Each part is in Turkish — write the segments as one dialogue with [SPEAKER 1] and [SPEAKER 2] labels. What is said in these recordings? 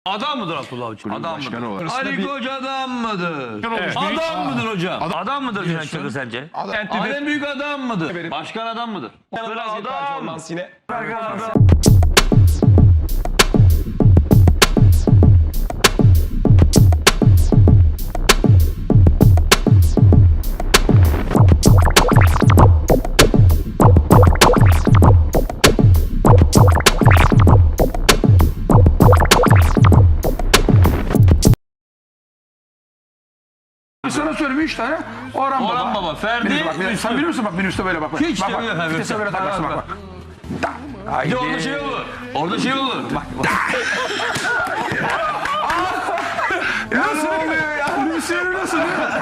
[SPEAKER 1] Adam mıdır Abdullah Avcı? Adam mıdır? Ali Koç adam mıdır?
[SPEAKER 2] Evet.
[SPEAKER 1] Adam mıdır hocam? Adam mıdır Cüneyt Çakır sence? Alem büyük adam mıdır? Başkan adam mıdır? Adam.
[SPEAKER 2] Yine.
[SPEAKER 3] Sana söyleyeyim 3 tane. Orhan Baba.
[SPEAKER 1] Orhan Baba, Ferdi,
[SPEAKER 3] Sen biliyor musun bak minibüste böyle bak.
[SPEAKER 1] Hiç
[SPEAKER 3] bak,
[SPEAKER 1] demiyor
[SPEAKER 3] bak.
[SPEAKER 1] efendim.
[SPEAKER 3] Vitese böyle takarsın bak.
[SPEAKER 1] Bir de orada şey olur. Orada şey olur. Bak.
[SPEAKER 3] Nasıl oluyor ya? Minibüsleri nasıl?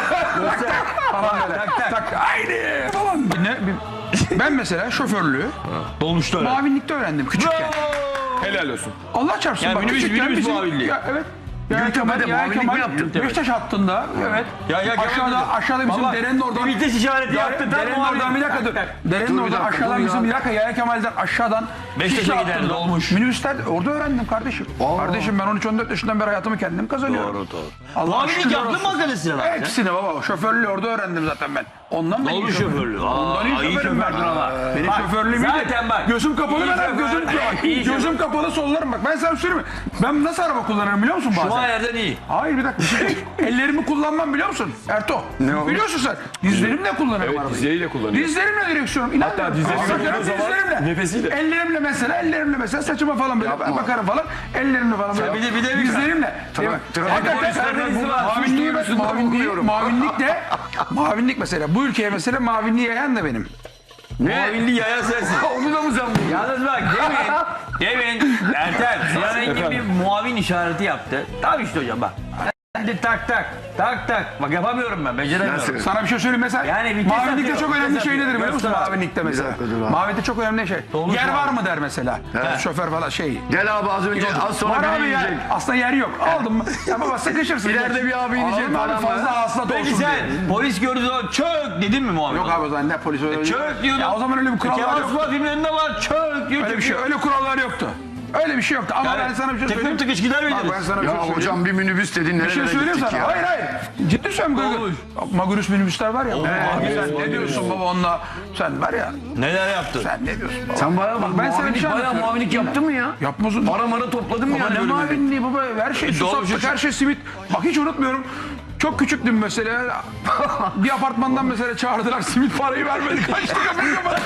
[SPEAKER 3] Tak. Haydi falan. Ben mesela şoförlüğü
[SPEAKER 1] Dolmuşlar.
[SPEAKER 3] mavinlikte öğrendim küçükken.
[SPEAKER 2] Helal olsun.
[SPEAKER 3] Allah çarpsın.
[SPEAKER 1] Yani
[SPEAKER 3] bak, küçükken
[SPEAKER 1] minibüs
[SPEAKER 3] bizim-
[SPEAKER 1] muavinliği.
[SPEAKER 3] Ya, evet. Ya Kemal
[SPEAKER 1] mi yaptın?
[SPEAKER 3] Beşiktaş hattında. Evet. Aşağıda bizim derenin oradan.
[SPEAKER 1] Vites işareti yaptı.
[SPEAKER 3] Derenin oradan bir dakika dur. Derenin oradan aşağıdan bizim bir dakika Yaya Kemal'den aşağıdan
[SPEAKER 1] Beşiktaş'a
[SPEAKER 3] Şişli
[SPEAKER 1] giderdi,
[SPEAKER 3] hattında
[SPEAKER 1] dolmuş.
[SPEAKER 3] Minibüsler orada öğrendim kardeşim. Kardeşim ben 13-14 yaşından beri hayatımı kendim kazanıyorum.
[SPEAKER 1] Doğru.
[SPEAKER 3] Allah
[SPEAKER 1] Muavinlik
[SPEAKER 3] şükürler
[SPEAKER 1] yaptın
[SPEAKER 3] olsun.
[SPEAKER 1] mı arkadaşlar abi?
[SPEAKER 3] Hepsini baba. Şoförlüğü orada öğrendim zaten ben. Ondan da iyi
[SPEAKER 1] Dolmuş şoförlüğü.
[SPEAKER 3] Ondan iyi
[SPEAKER 1] iyi
[SPEAKER 3] şoförüm ben.
[SPEAKER 1] şofördün ama.
[SPEAKER 3] Benim
[SPEAKER 1] Bak,
[SPEAKER 3] şoförlüğüm iyiydi.
[SPEAKER 1] zaten bak.
[SPEAKER 3] Gözüm kapalı
[SPEAKER 1] İyi
[SPEAKER 3] ben hep
[SPEAKER 1] şoför. İyi şoför.
[SPEAKER 3] gözüm kapalı sollarım bak. Ben sana söyleyeyim mi? Ben nasıl araba kullanırım biliyor musun bazen?
[SPEAKER 1] Şu ayardan iyi.
[SPEAKER 3] Hayır bir dakika. Ellerimi kullanmam biliyor musun? Erto. Biliyorsun sen. Dizlerimle kullanırım arabayı.
[SPEAKER 2] Dizleriyle kullanıyor.
[SPEAKER 3] Dizlerimle direksiyonum. İnan
[SPEAKER 2] Hatta
[SPEAKER 3] bana.
[SPEAKER 2] dizlerini
[SPEAKER 3] Bakarım
[SPEAKER 2] kullandığı zaman
[SPEAKER 3] dizlerimle.
[SPEAKER 2] nefesiyle.
[SPEAKER 3] Ellerimle mesela saçıma falan böyle bakarım falan. Ellerimle falan böyle.
[SPEAKER 1] Bir de
[SPEAKER 3] dizlerimle. Mavinlik mesela. Bu ülkeye mesela mavinliği yayan da benim.
[SPEAKER 1] Muavinliği yayan sensin.
[SPEAKER 3] Onu da mı sen bu?
[SPEAKER 1] Yalnız bak demin Ertem Sinan Engin bir muavin işareti yaptı. Tamam işte hocam bak. Hadi tak. Bak yapamıyorum ben, beceremiyorum.
[SPEAKER 3] Sana bir şey söyleyeyim mesela.
[SPEAKER 1] Yani vites
[SPEAKER 3] mavinlikte
[SPEAKER 1] atıyor,
[SPEAKER 3] çok önemli
[SPEAKER 1] vites
[SPEAKER 3] şey nedir
[SPEAKER 1] atıyor.
[SPEAKER 3] biliyor musun?
[SPEAKER 1] Göster abi.
[SPEAKER 3] Mavinlikte mesela. Mavinlikte çok önemli şey. Yer var mı der mesela. Şoför falan şey.
[SPEAKER 4] Gel abi az önce az sonra
[SPEAKER 3] Var
[SPEAKER 4] biri
[SPEAKER 3] abi ya.
[SPEAKER 4] yiyecek.
[SPEAKER 3] Aslında yer yok. Aldım mı? Ya baba sıkışırsın.
[SPEAKER 4] İleride bir abi inecek
[SPEAKER 3] Aldım abi
[SPEAKER 4] falan
[SPEAKER 3] fazla hasılat
[SPEAKER 1] Peki
[SPEAKER 3] olsun
[SPEAKER 1] sen
[SPEAKER 3] diye.
[SPEAKER 1] polis gördüğü zaman çök dedin mi muavin?
[SPEAKER 3] Yok abi o zaman ne polis öyle.
[SPEAKER 1] Çök diyordun.
[SPEAKER 3] Ya o zaman öyle bir kurallar
[SPEAKER 1] Kemal
[SPEAKER 3] yok.
[SPEAKER 1] Sunal filmlerinde var çök diyor.
[SPEAKER 3] Öyle bir şey. Öyle kurallar yoktu. Öyle bir şey yoktu. Ama ben sana bir şey söyleyeyim.
[SPEAKER 1] Tıkır tıkış gider
[SPEAKER 3] Bak ben
[SPEAKER 1] miydiniz?
[SPEAKER 3] sana bir şey
[SPEAKER 4] Ya
[SPEAKER 3] söyleyeyim.
[SPEAKER 4] hocam bir minibüs dedin
[SPEAKER 3] Bir şey
[SPEAKER 4] nerelere
[SPEAKER 3] söyleyeyim
[SPEAKER 4] gittik
[SPEAKER 3] sana.
[SPEAKER 4] ya.
[SPEAKER 3] Hayır. Ciddi söylüyorum. Magurus minibüsler var ya. Sen ne diyorsun baba onunla? Sen var ya.
[SPEAKER 1] Neler yaptın?
[SPEAKER 3] Sen ne diyorsun baba?
[SPEAKER 4] Sen bayağı bak
[SPEAKER 3] Ben sana bir şey
[SPEAKER 4] bayağı
[SPEAKER 3] anlatıyorum.
[SPEAKER 4] muavinlik yaptın mı ya?
[SPEAKER 3] Yapmasın.
[SPEAKER 4] Para topladın mı
[SPEAKER 3] Baba
[SPEAKER 4] yani?
[SPEAKER 3] ne
[SPEAKER 4] bölümde?
[SPEAKER 3] mavinliği baba her şey su sattık her şey simit. Bak hiç unutmuyorum. Çok küçüktüm mesela. Bir apartmandan mesela çağırdılar simit parayı vermedi. Kaçtı kapıyı kapattı.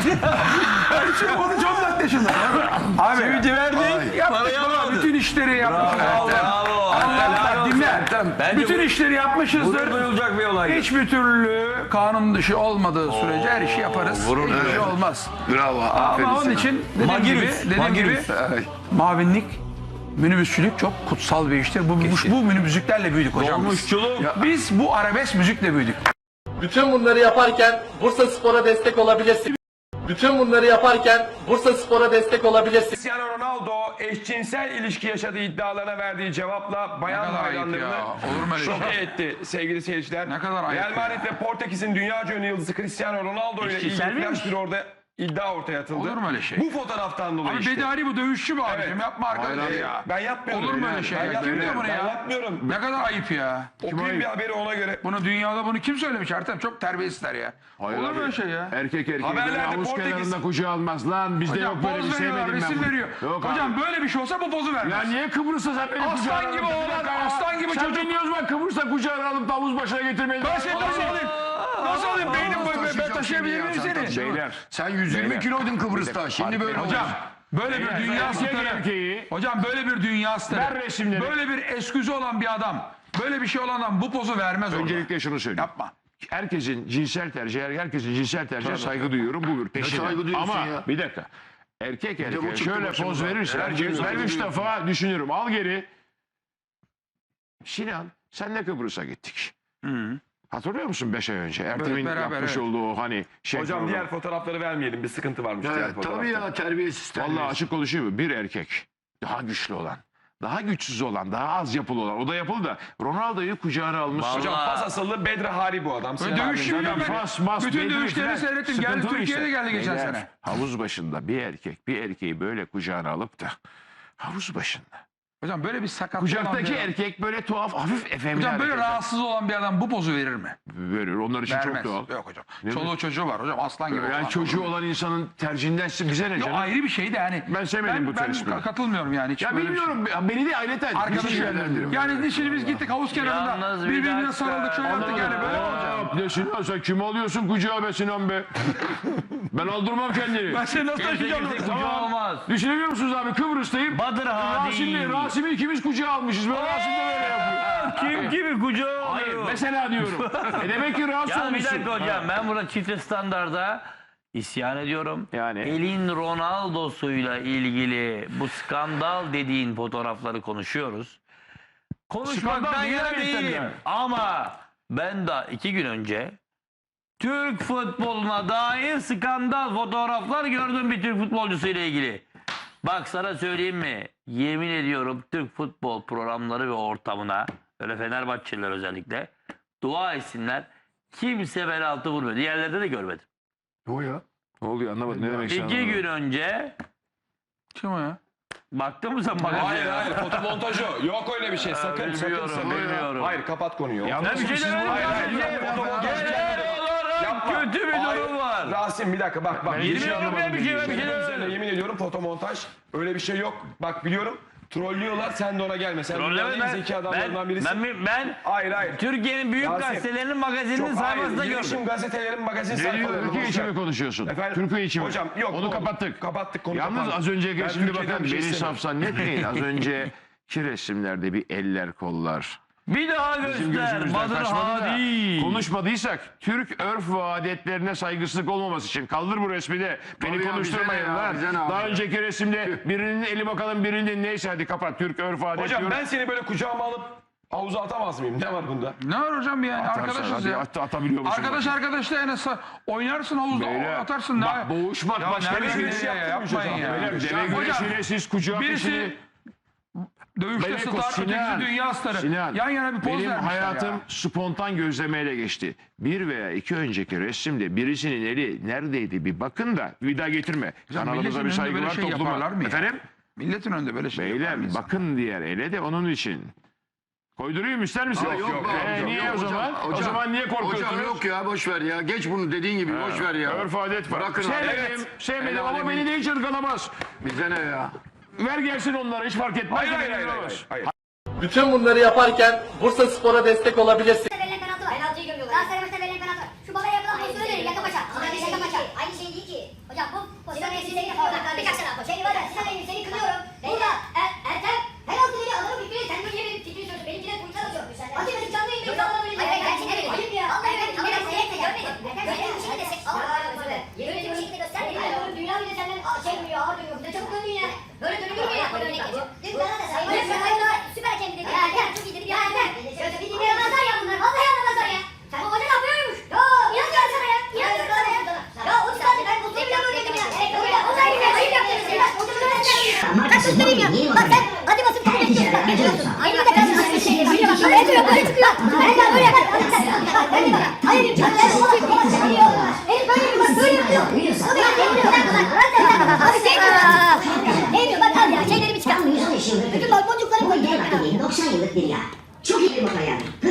[SPEAKER 3] Her şey oldu çok net yaşında. Abi.
[SPEAKER 1] Simiti verdi.
[SPEAKER 3] Yaptık
[SPEAKER 1] Parayı
[SPEAKER 3] baba,
[SPEAKER 1] almadı.
[SPEAKER 3] bütün işleri yapmışız.
[SPEAKER 1] Bravo.
[SPEAKER 3] Allah dinle.
[SPEAKER 1] Bence
[SPEAKER 3] Bütün işleri yapmışızdır.
[SPEAKER 1] duyulacak bir olay.
[SPEAKER 3] Hiçbir türlü kanun dışı olmadığı sürece her işi yaparız. Hiçbir şey olmaz.
[SPEAKER 4] Bravo. Aferin
[SPEAKER 3] Ama onun
[SPEAKER 4] sana.
[SPEAKER 3] için dediğim gibi mavinlik, minibüsçülük çok kutsal bir iştir. Bu minibüsçülüklerle büyüdük hocam.
[SPEAKER 1] Dolmuşçuluk.
[SPEAKER 3] Biz bu arabesk müzikle büyüdük.
[SPEAKER 5] Bütün bunları yaparken Bursa Spor'a destek olabilirsin. Bütün bunları yaparken Bursa Spor'a destek olabilirsin.
[SPEAKER 2] Cristiano Ronaldo eşcinsel ilişki yaşadığı iddialarına verdiği cevapla bayan
[SPEAKER 3] Ne kadar ayıp
[SPEAKER 2] hayranlarını
[SPEAKER 3] ya. Olur mu öyle şey?
[SPEAKER 2] şoke etti sevgili seyirciler.
[SPEAKER 3] Ne kadar ayıp
[SPEAKER 2] Real
[SPEAKER 3] ya.
[SPEAKER 2] Madrid ve Portekiz'in dünyaca ünlü yıldızı Cristiano Ronaldo ile
[SPEAKER 1] Eşcinsel
[SPEAKER 2] ilgili
[SPEAKER 1] miymiş?
[SPEAKER 2] flash bir orada iddia ortaya atıldı.
[SPEAKER 3] Olur mu öyle şey?
[SPEAKER 2] Bu fotoğraftan dolayı
[SPEAKER 3] Abi
[SPEAKER 2] işte.
[SPEAKER 3] Bedari bu dövüşçü bu abicim.
[SPEAKER 2] Evet.
[SPEAKER 3] Yapma arkadaş ya.
[SPEAKER 2] Ben yapmıyorum.
[SPEAKER 3] Olur mu öyle şey?
[SPEAKER 2] Ben
[SPEAKER 3] Kim
[SPEAKER 2] yapmıyorum.
[SPEAKER 3] diyor bunu
[SPEAKER 2] Ben
[SPEAKER 3] ya?
[SPEAKER 2] yapmıyorum.
[SPEAKER 3] Ne kadar ayıp ya.
[SPEAKER 2] Okuyayım bir haberi ona göre.
[SPEAKER 3] Bunu dünyada bunu kim söylemiş Ertem? Çok terbiyesizler ya.
[SPEAKER 4] Hayır
[SPEAKER 3] Olur mu
[SPEAKER 4] abi.
[SPEAKER 3] öyle şey ya?
[SPEAKER 4] Erkek
[SPEAKER 2] Haberlerde
[SPEAKER 4] böyle havuz
[SPEAKER 2] Portekiz-
[SPEAKER 4] kenarında kucağı almaz lan. Bizde
[SPEAKER 3] Hocam
[SPEAKER 4] yok böyle bir
[SPEAKER 3] poz veriyorlar,
[SPEAKER 4] sevmedim ben
[SPEAKER 3] resim
[SPEAKER 4] bunu.
[SPEAKER 3] veriyor.
[SPEAKER 4] Yok
[SPEAKER 3] Hocam
[SPEAKER 4] abi.
[SPEAKER 3] böyle bir şey olsa bu pozu vermez.
[SPEAKER 4] Ya niye Kıbrıs'ta sen benim
[SPEAKER 3] Aslan
[SPEAKER 4] kucağına
[SPEAKER 3] gibi
[SPEAKER 4] alıp-
[SPEAKER 3] oğlan,
[SPEAKER 4] Bir dakika ya.
[SPEAKER 3] aslan gibi
[SPEAKER 4] Sen
[SPEAKER 3] çocuk.
[SPEAKER 4] dinliyoruz bak Kıbrıs'ta kucağına alıp da havuz başına getirmeyi.
[SPEAKER 3] Ben seni nasıl alayım? Nasıl alayım? Ben taşıyabilir miyim seni?
[SPEAKER 4] Beyler. Sen 120 kiloydun Kıbrıs'ta. Şimdi böyle
[SPEAKER 3] Hocam böyle bir dünya
[SPEAKER 4] erkek
[SPEAKER 3] starı.
[SPEAKER 4] erkeği.
[SPEAKER 3] Hocam böyle bir dünya starı.
[SPEAKER 4] Ver resimleri.
[SPEAKER 3] Böyle bir esküzü olan bir adam. Böyle bir şey olan adam bu pozu vermez orada.
[SPEAKER 4] Öncelikle şunu söyleyeyim.
[SPEAKER 3] Yapma.
[SPEAKER 4] Herkesin cinsel tercihine saygı duyuyorum. Bu bir peşine.
[SPEAKER 6] saygı duyuyorsun
[SPEAKER 4] Ama
[SPEAKER 6] ya?
[SPEAKER 4] bir dakika. Erkek
[SPEAKER 6] bu
[SPEAKER 4] erkeğe
[SPEAKER 6] çıktı
[SPEAKER 4] şöyle
[SPEAKER 6] başımıza.
[SPEAKER 4] poz verirse ben 3 defa düşünürüm. Al geri. Sinan senle Kıbrıs'a gittik. Hatırlıyor musun 5 ay önce? Ertem'in
[SPEAKER 3] beraber,
[SPEAKER 4] yapmış
[SPEAKER 3] evet.
[SPEAKER 4] olduğu o hani şey.
[SPEAKER 2] Hocam
[SPEAKER 4] programı.
[SPEAKER 2] diğer fotoğrafları vermeyelim. Bir sıkıntı varmış diğer
[SPEAKER 6] Evet,
[SPEAKER 2] fotoğrafta.
[SPEAKER 6] tabii ya terbiyesiz.
[SPEAKER 4] Vallahi açık konuşayım mı? Bir erkek daha güçlü olan, daha güçsüz olan, daha az yapılı olan. O da yapılı da Ronaldo'yu kucağına almış.
[SPEAKER 2] Hocam Fas asıllı Bedri Hari bu adam.
[SPEAKER 3] Böyle dövüşçü
[SPEAKER 2] Hocam,
[SPEAKER 3] mü ben?
[SPEAKER 4] Fas, mas,
[SPEAKER 3] Bütün
[SPEAKER 4] belli
[SPEAKER 3] dövüşlerini
[SPEAKER 4] filan.
[SPEAKER 3] seyrettim. Geldi
[SPEAKER 4] Sıkıntılı
[SPEAKER 3] Türkiye'de geldi geçen
[SPEAKER 4] Beyler,
[SPEAKER 3] sene.
[SPEAKER 4] Havuz başında bir erkek bir erkeği böyle kucağına alıp da havuz başında
[SPEAKER 3] Hocam böyle bir sakatlık olan
[SPEAKER 4] Kucaktaki
[SPEAKER 3] bir adam-
[SPEAKER 4] erkek böyle tuhaf, hafif efemli
[SPEAKER 3] Hocam böyle
[SPEAKER 4] hareketler
[SPEAKER 3] rahatsız olan bir adam bu pozu verir mi?
[SPEAKER 4] verir. Onlar için
[SPEAKER 3] Vermez.
[SPEAKER 4] çok doğal.
[SPEAKER 3] Yok hocam. Çoluğu çocuğu var hocam, aslan gibi.
[SPEAKER 4] Yani
[SPEAKER 3] olan.
[SPEAKER 4] çocuğu olan insanın tercihinden bize ne
[SPEAKER 3] Yok,
[SPEAKER 4] canım?
[SPEAKER 3] ayrı bir şey de yani.
[SPEAKER 4] Ben sevmedim bu tersimi.
[SPEAKER 3] katılmıyorum yani. Hiç
[SPEAKER 4] Ya
[SPEAKER 3] böyle bir şey.
[SPEAKER 4] bilmiyorum, beni de aileten.
[SPEAKER 3] Arkadaşım yani şimdi biz gittik havuz kenarında
[SPEAKER 1] Yalnız bir
[SPEAKER 3] birbirine
[SPEAKER 1] dakika.
[SPEAKER 3] sarıldık şöyle yaptık yani böyle mi olacak?
[SPEAKER 4] Ne Sinan, sen kimi alıyorsun kucağa be Sinan be? Ben aldırmam kendini.
[SPEAKER 3] Ben seni nasıl
[SPEAKER 1] Kimse
[SPEAKER 3] taşıyacağım?
[SPEAKER 1] kimse kucağı olmaz.
[SPEAKER 4] Düşünebiliyor musunuz abi, Kıbrıs'tayım.
[SPEAKER 1] Badır Hadi.
[SPEAKER 4] Rasim'i ikimiz kucağa almışız. Ben Rasim de böyle yapıyor.
[SPEAKER 1] Kim gibi kucağı
[SPEAKER 4] Hayır
[SPEAKER 1] alıyor?
[SPEAKER 4] mesela diyorum. Demek ki rahatsız
[SPEAKER 1] Ya bir
[SPEAKER 4] olmuşsun.
[SPEAKER 1] dakika hocam, ben burada çifte standarda isyan ediyorum.
[SPEAKER 4] Yani?
[SPEAKER 1] Elin Ronaldo'suyla ilgili bu skandal dediğin fotoğrafları konuşuyoruz. Konuşmaktan
[SPEAKER 4] Skandal değil
[SPEAKER 1] yana
[SPEAKER 4] tabii
[SPEAKER 1] değilim.
[SPEAKER 4] yani.
[SPEAKER 1] Ama ben daha 2 gün önce Türk futboluna dair skandal fotoğraflar gördüm bir Türk futbolcusu ile ilgili. Bak sana söyleyeyim mi? Yemin ediyorum Türk futbol programları ve ortamına, öyle Fenerbahçeliler özellikle, dua etsinler. Kimse bel altı vurmuyor. Diğerlerde de görmedim.
[SPEAKER 4] Ne oluyor anlamadım, ne demek istiyorsun?
[SPEAKER 1] 2 gün önce
[SPEAKER 3] Kim o ya?
[SPEAKER 1] baktın mı sen bana?
[SPEAKER 2] Hayır hayır fotomontaj o. Yok öyle bir şey. Sakın
[SPEAKER 1] bilmiyorum,
[SPEAKER 2] sakın.
[SPEAKER 1] bilmiyorum.
[SPEAKER 2] Hayır kapat konuyu.
[SPEAKER 4] Ya
[SPEAKER 1] Ben bir şey demedim.
[SPEAKER 2] Hayır, hayır,
[SPEAKER 1] sadece.
[SPEAKER 2] fotomontaj
[SPEAKER 1] Genel olarak
[SPEAKER 2] Yapma.
[SPEAKER 1] kötü bir
[SPEAKER 2] Hayır,
[SPEAKER 1] durum var.
[SPEAKER 2] Rasim bir dakika bak.
[SPEAKER 4] Ben
[SPEAKER 1] Yemin
[SPEAKER 4] hiç
[SPEAKER 1] ediyorum
[SPEAKER 4] anlamadım
[SPEAKER 1] ben bir şey
[SPEAKER 2] Benim üzerine
[SPEAKER 1] demedim.
[SPEAKER 2] yemin ediyorum fotomontaj. Öyle bir şey yok. Bak biliyorum. Trollüyorlar. Sen de ona gelme. Sen dünyanın en zeki adamlarından birisin.
[SPEAKER 1] Ben
[SPEAKER 2] Hayır hayır.
[SPEAKER 1] Türkiye'nin büyük
[SPEAKER 2] Rasim,
[SPEAKER 1] gazetelerinin magazininin sayfasında
[SPEAKER 2] hayır.
[SPEAKER 1] gördüm.
[SPEAKER 2] Girişim gazetelerin magazin
[SPEAKER 4] Ne diyor?
[SPEAKER 2] sayfalarını.
[SPEAKER 4] Türkiye
[SPEAKER 2] boş
[SPEAKER 4] içi
[SPEAKER 2] ver.
[SPEAKER 4] mi konuşuyorsun?
[SPEAKER 2] Efendim?
[SPEAKER 4] Türkiye içi mi?
[SPEAKER 2] Hocam yok.
[SPEAKER 4] Onu
[SPEAKER 2] doğru.
[SPEAKER 4] kapattık.
[SPEAKER 2] Kapattık konu
[SPEAKER 4] Yalnız
[SPEAKER 2] kapandı.
[SPEAKER 4] az önceki
[SPEAKER 2] Ben
[SPEAKER 4] şimdi
[SPEAKER 2] Türkiye'den
[SPEAKER 4] bakın
[SPEAKER 2] bir şey
[SPEAKER 4] beni
[SPEAKER 2] istemiyorum.
[SPEAKER 4] safsan netmeyin. Az önceki resimlerde bir eller kollar.
[SPEAKER 1] Bir daha
[SPEAKER 4] Bizim
[SPEAKER 1] göster.
[SPEAKER 4] gözümüzden
[SPEAKER 1] Badır
[SPEAKER 4] kaçmadı da
[SPEAKER 1] Hadi.
[SPEAKER 4] konuşmadıysak Türk örf ve adetlerine saygısızlık olmaması için kaldır bu resmi de beni
[SPEAKER 6] Tabii ya,
[SPEAKER 4] konuşturmayın
[SPEAKER 6] bize ne ya,
[SPEAKER 4] lan.
[SPEAKER 6] bize ne abi
[SPEAKER 4] Daha
[SPEAKER 6] ya?
[SPEAKER 4] önceki resimde birinin eli bakalım birinin neyse hadi kapat Türk örf adet
[SPEAKER 2] Hocam
[SPEAKER 4] diyorum.
[SPEAKER 2] ben seni böyle kucağıma alıp havuza atamaz mıyım? Ne var bunda?
[SPEAKER 3] Ne var hocam yani
[SPEAKER 4] Atarsan
[SPEAKER 3] arkadaşız
[SPEAKER 4] hadi
[SPEAKER 3] ya.
[SPEAKER 4] atabiliyor musun?
[SPEAKER 3] Arkadaş arkadaşla yani oynarsın havuzda
[SPEAKER 4] Beyler,
[SPEAKER 3] atarsın.
[SPEAKER 4] bak boğuşmak
[SPEAKER 3] Ya
[SPEAKER 4] başka bir
[SPEAKER 3] nereye
[SPEAKER 4] şey.
[SPEAKER 3] gidiyor ya, yapmayın ya.
[SPEAKER 4] Beyler deve
[SPEAKER 3] Hocam,
[SPEAKER 4] güreşiyle siz kucağa
[SPEAKER 3] birisi
[SPEAKER 4] peşini...
[SPEAKER 3] dövüşte
[SPEAKER 4] Beyler,
[SPEAKER 3] star, ötekisi dünya starı.
[SPEAKER 4] Sinan,
[SPEAKER 3] Yan yana bir poz
[SPEAKER 4] benim
[SPEAKER 3] vermişler
[SPEAKER 4] hayatım
[SPEAKER 3] ya.
[SPEAKER 4] spontan gözlemeyle geçti. Bir veya iki önceki resimde birisinin eli neredeydi bir bakın da bir daha getirme.
[SPEAKER 3] Hocam,
[SPEAKER 4] Kanalımıza
[SPEAKER 3] milletin
[SPEAKER 4] bir
[SPEAKER 3] önünde
[SPEAKER 4] saygı
[SPEAKER 3] böyle
[SPEAKER 4] var
[SPEAKER 3] şey yaparlar
[SPEAKER 4] topluma.
[SPEAKER 3] mı ya?
[SPEAKER 4] Efendim?
[SPEAKER 3] Milletin önünde böyle şey yapar mı
[SPEAKER 4] Beyler
[SPEAKER 3] insan?
[SPEAKER 4] bakın diğer ele de onun için. Koydurayım ister misin?
[SPEAKER 6] Aa, yok be hocam,
[SPEAKER 4] niye
[SPEAKER 6] yok
[SPEAKER 4] o zaman?
[SPEAKER 6] hocam.
[SPEAKER 4] O zaman niye korkuyorsunuz?
[SPEAKER 6] Hocam yok ya boş ver ya. Geç bunu dediğin gibi boş ver ya.
[SPEAKER 4] Örf adet var.
[SPEAKER 6] Bırakın
[SPEAKER 4] Sevmedim,
[SPEAKER 6] evet.
[SPEAKER 4] sevmedim
[SPEAKER 6] El
[SPEAKER 4] ama
[SPEAKER 6] alemin-
[SPEAKER 4] beni de hiç ırgalamaz.
[SPEAKER 6] Bize ne ya?
[SPEAKER 4] Ver gelsin onlara hiç fark etmez.
[SPEAKER 2] Hayır
[SPEAKER 4] Beni
[SPEAKER 2] hayır hayır.
[SPEAKER 4] ırgalamaz.
[SPEAKER 2] hayır.
[SPEAKER 5] Bütün bunları yaparken Bursa Spor'a destek olabilirsiniz.
[SPEAKER 7] Verilen penaltı var. Penaltıyı görüyorlar. Galatasaray maçında verilen penaltı var. Şu babaya yapılan pozisyonu verin. Yaka maça. Yaka maça. Aynı şey değil ki. Hocam bu pozisyon seni kınıyorum. Birkaç tane şey var ya. Sinan Engin seni kınıyorum. Burada Ertem penaltı dedi adamın fikrini sen böyle yemin fikrini söylüyorsun. Benimkiler kurtar atıyor. Atamadık canlı yayında insanlar böyle. Hayır gerçekten öyle. Hayır ya. Vallahi ben kamerayı seyretle görmedim. Böyle bir şekilde destek. Böyle bir şekilde göstermedi. Hayır oğlum dünya bile senden şey duyuyor. Ağır duyuyor. Ne çabuk döndün ya. Böyle dönülür mü ya? Böyle örnek geçiyor. Dün bana da sayın. Süper hakem dedi. Ya Ertem çok iyi dedi. Ya Ertem. Bir dinlemezler ya bunlar. Vallahi anlamazlar ya. Sen bu hoca ne yapıyormuş? Ya inan gelsene ya. İnan gelsene ya. Ya o çıkardı ben bu tekrar öğrendim ya. O da ayıp yaptınız ya. O da öğrendim. Bak göstereyim ya. Bak sen hadi basıp kabul ediyorsun. Bak geçiyorsun. Aynı da karşı karşı şey. Böyle bak. Böyle çıkıyor. Böyle çıkıyor. Ben de böyle yapar. Böyle bak. Hayır. Ben o da konuşuyor. Herif böyle bak böyle yapıyor. O da yapıyor. Abi şey Neymiyor bak al ya şeylerimi çıkar. Bütün boncukları koy.
[SPEAKER 8] 90 yıllık bir yer. Çok iyi bir motor yani.